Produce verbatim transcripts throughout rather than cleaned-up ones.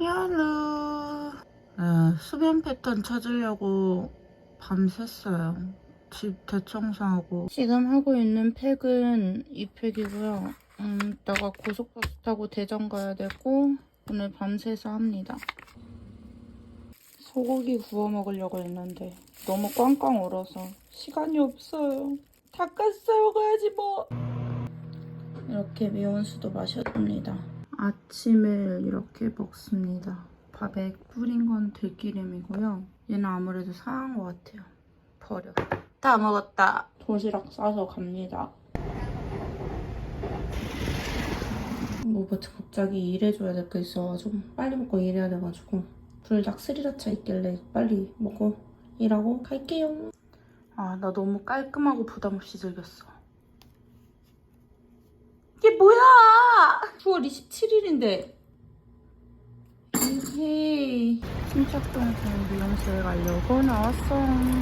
야루. 네, 수면 패턴 찾으려고 밤샜어요. 집 대청소하고. 지금 하고 있는 팩은 이 팩이고요. 음, 이따가 고속버스 타고 대전 가야 되고 오늘 밤새서 합니다. 소고기 구워 먹으려고 했는데 너무 꽝꽝 얼어서 시간이 없어요. 닭가슴살 먹어야지 뭐. 이렇게 미온수도 마셔줍니다. 아침을 이렇게 먹습니다. 밥에 뿌린 건 들기름이고요. 얘는 아무래도 상한 것 같아요. 버려. 다 먹었다. 도시락 싸서 갑니다. 뭐 갑자기 일해줘야 될 게 있어가지고 빨리 먹고 일해야 돼가지고 불닭 스리라차 있길래 빨리 먹고 일하고 갈게요. 아, 나 너무 깔끔하고 부담 없이 즐겼어. 이게 뭐야! 구월 이십칠일인데 에헤이. 침착동에서 미용실 가려고 나왔어.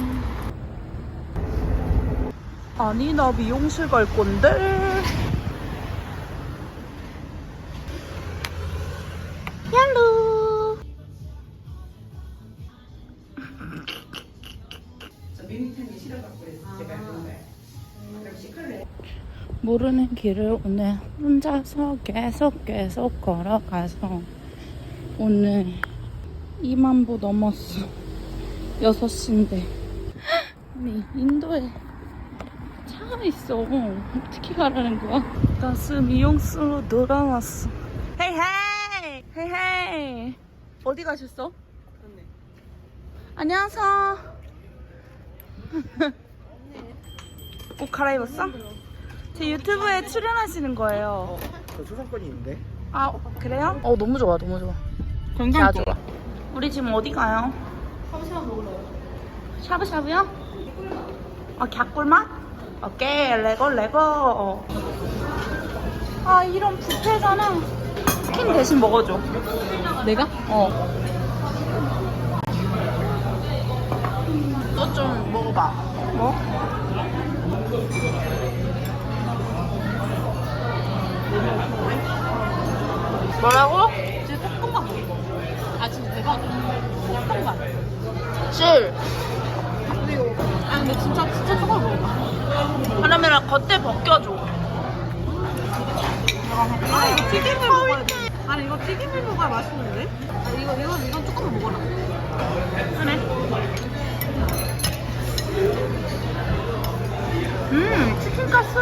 아니, 나 미용실 갈 건데. 얄루. 저 밋밋한 게 싫어갖고 제가 그런 거예요. 그럼 시클레. 모르는 길을 오늘 혼자서 계속 계속 걸어가서 오늘 이만 보 넘었어. 여섯 시인데. 아니, 인도에 차가 있어. 어떻게 가라는 거야? 다시 미용실로 돌아왔어. 헤이 헤이! 헤이 헤이! 어디 가셨어? 그렇네. 안녕하세요. 옷 갈아입었어? 제 유튜브에 출연하시는 거예요. 어, 저 초상권이 있는데? 아, 그래요? 어, 너무 좋아, 너무 좋아. 자, 좋아. 우리 지금 어디 가요? 샤브샤브 먹으러요. 샤브샤브요? 아, 갸꿀맛? 오케이, 레고, 레고. 아, 이런 뷔페잖아. 치킨 대신 먹어줘. 내가? 어. 너 좀 먹어봐. 뭐? 뭐라고? 진짜 조금만 먹어. 아 진짜 대박. 조금만. 실. 그리고 아 근데 진짜 진짜 조금 먹어. 그러면 겉에 벗겨줘. 아 이거 튀김을 먹어야 돼. 아니 이거 튀김을 먹어야 맛있는데? 아 이거 이거 이건 조금만 먹어라. 그래. 음, 치킨 가스.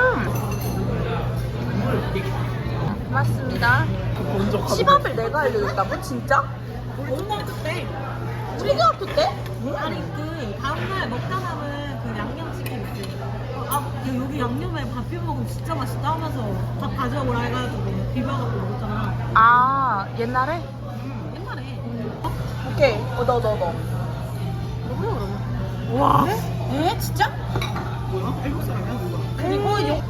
맞습니다. 시밥을 내가 알려줬다고? 진짜? 고등학교 때. 초등학교 때? 아니 그 다음날 먹다 남은 그 양념치킨 있지. 어, 아 야, 여기 양념에 밥 비벼 먹으면 진짜 맛있다 하면서 밥 가져오라 해가지고 비벼갖고 먹었잖아. 아, 옛날에? 음, 옛날에. 어? 오케이. 어, 너, 너, 너. 먹으러 그러면. 와. 에? 진짜? 뭐야? 일곱 사람이야 누가? 그리고 요...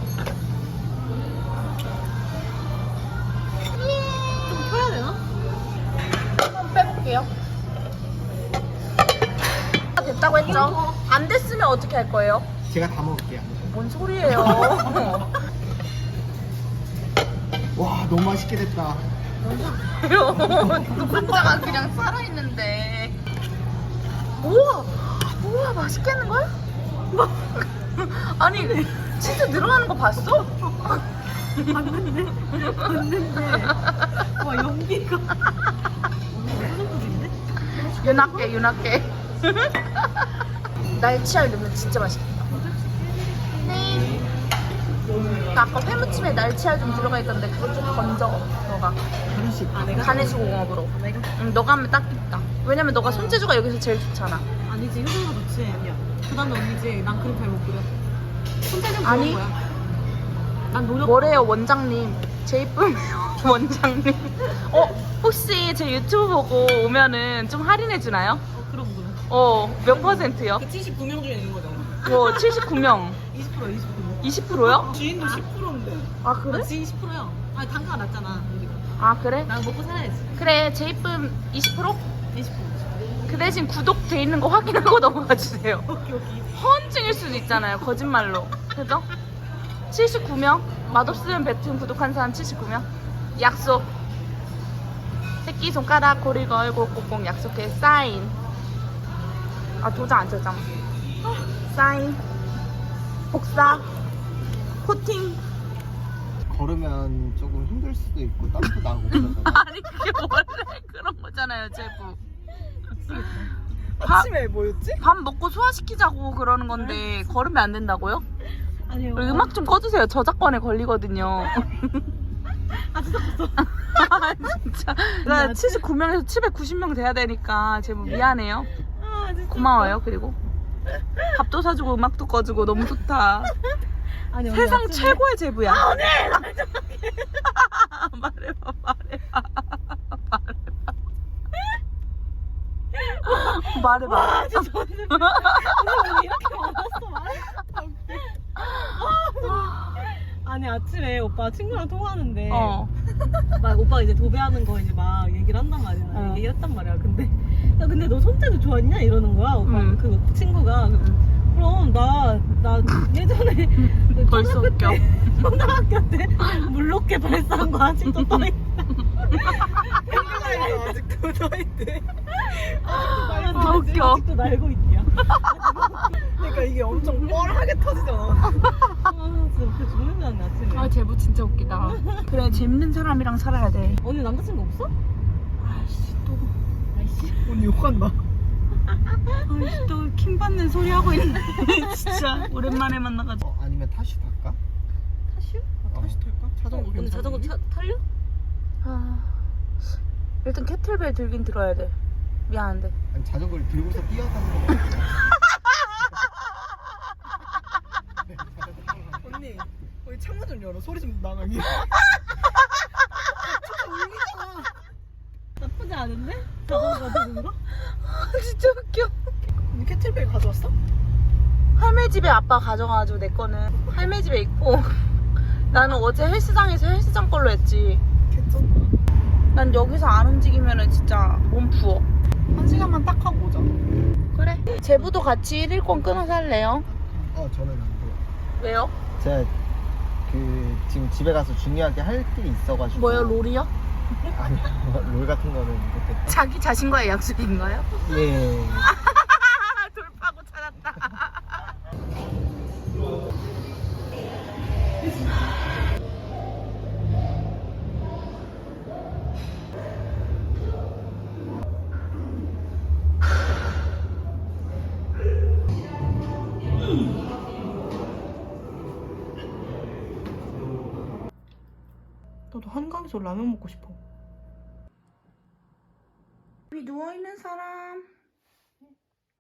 좀 펴야 되나? 한번 빼볼게요. 됐다고 했죠? 안 됐으면 어떻게 할 거예요? 제가 다 먹을게요. 뭔 소리예요? 와, 너무 맛있게 됐다. 혼자가 그냥 살아있는데. 우와! 우와, 맛있겠는걸? 아니, 진짜 늘어나는 거 봤어? 봤는데? 봤는데. 와, 연기가. 소금인데? 윤학계, 윤학계. 날치알 넣으면 진짜 맛있겠다. 네. 아까 회무침에 날치알 좀 들어가 있던데 그거 좀 건져, 너가. 하나씩. 아, 내가? 간해수공업으로. 아, 내가? 응, 너가 하면 딱 있다. 왜냐면 너가 손재주가 여기서 제일 좋잖아. 아니지, 효정이가 좋지. 아니야. 그 다음에 언니지. 난 그렇게 못 그려. 손재주는 아니. 그런 거야. 난 노력. 뭐래요, 원장님. 제 이쁨 원장님. 어, 혹시 제 유튜브 보고 오면은 좀 할인해주나요? 어, 그럼 그럼. 어, 몇 퍼센트요? 그 칠십구 명 중에 있는 거잖아. 뭐, 칠십구 명. 이십 퍼센트, 이십 퍼센트. 이십 퍼센트요? 주인도 십 퍼센트인데. 아, 그래? 지인 십 퍼센트야. 아니, 단가가 낮잖아, 우리가. 아, 그래? 난 먹고 살아야지. 그래, 제 이쁨 이십 퍼센트? 이십 퍼센트. 그 대신 구독돼 있는 거 확인하고 넘어가 주세요. 오케이, 오케이. 허언증일 수도 있잖아요, 거짓말로. 그죠? 칠십구 명? 맛없으면 뱉은 구독한 사람 칠십구 명? 약속. 새끼손가락 고리 걸고 꼭꼭 약속해 사인. 아 도장 안 쳤잖아. 사인 복사 코팅. 걸으면 조금 힘들 수도 있고 땀도 나고 그래서. 아니 그게 원래 그런 거잖아요 제부. 아침에 뭐였지? 밥 먹고 소화시키자고 그러는 건데 걸으면 안 된다고요? 아니요. 그리고 음악 좀 꺼주세요. 저작권에 걸리거든요. 아 진짜 없어. 아 진짜 나 칠십구 명에서 칠백구십 명 돼야 되니까 제부 미안해요. 아 진짜. 고마워요. 그리고 밥도 사주고 음악도 꺼주고 너무 좋다. 아니, 언니 세상 아침에- 최고의 제부야. 아 언니. 말해봐 말해봐 말해봐 말해봐. 아 진짜 언니. 언니 왜 이렇게 많았어 말해. 아니 아침에 오빠 친구랑 통화하는데 어. 막 오빠가 이제 도배하는 거 이제 막 얘기를 한단 말이야. 어. 얘기했단 말이야. 근데 야 근데 너 손재주 좋았냐 이러는 거야. 오빠 응. 그 친구가 그럼 나 나 예전에 그 벌써 초등학교 웃겨. 때 초등학교 때 물로켓 발사한 거 아직도 떠 있다. 아직도 더 있대. 아, 웃겨. 아직도 날고 있대요. 그러니까 이게 엄청 뻘하게 터지잖아. 아 진짜 그 죽는 줄 알았네 아침에. 아 제부 진짜 웃기다. 그래 재밌는 사람이랑 살아야 돼. 언니 남자친구 없어? 아이씨 또 아이씨. 언니 욕한다. 아이씨 또 킹 받는 소리 하고 있네. 진짜 오랜만에 만나가지고. 어, 아니면 타시 탈까? 타슈? 어, 타시 탈까? 자전거 언니 자전거 타, 탈려? 아 일단 캐틀벨 들긴 들어야 돼. 미안한데. 아니 자전거를 들고서 뛰어가는 거. 언니, 우리 창문 좀 열어. 소리 좀 나가게. 나쁘지 않은데? 자전거 타는 거? 아 진짜 웃겨. 언니 캐틀벨 가져왔어? 할매 집에 아빠 가져가가지고 내 거는 할매 집에 있고 나는 어제 헬스장에서 헬스장 걸로 했지. 괜찮다. 난 여기서 안 움직이면은 진짜 몸 부어. 한 시간만 딱 하고 오자. 그래. 제부도 같이 일일권 끊어서 할래요? 어, 저는 안 돼요. 왜요? 제가 그 지금 집에 가서 중요하게 할 일이 있어가지고. 뭐요? 롤이요? 아니, 롤 같은 거는 못했다. 자기 자신과의 약속인가요? 예. 돌파구 찾았다. 나도 한강에서 라면 먹고 싶어. 여기 누워있는 사람.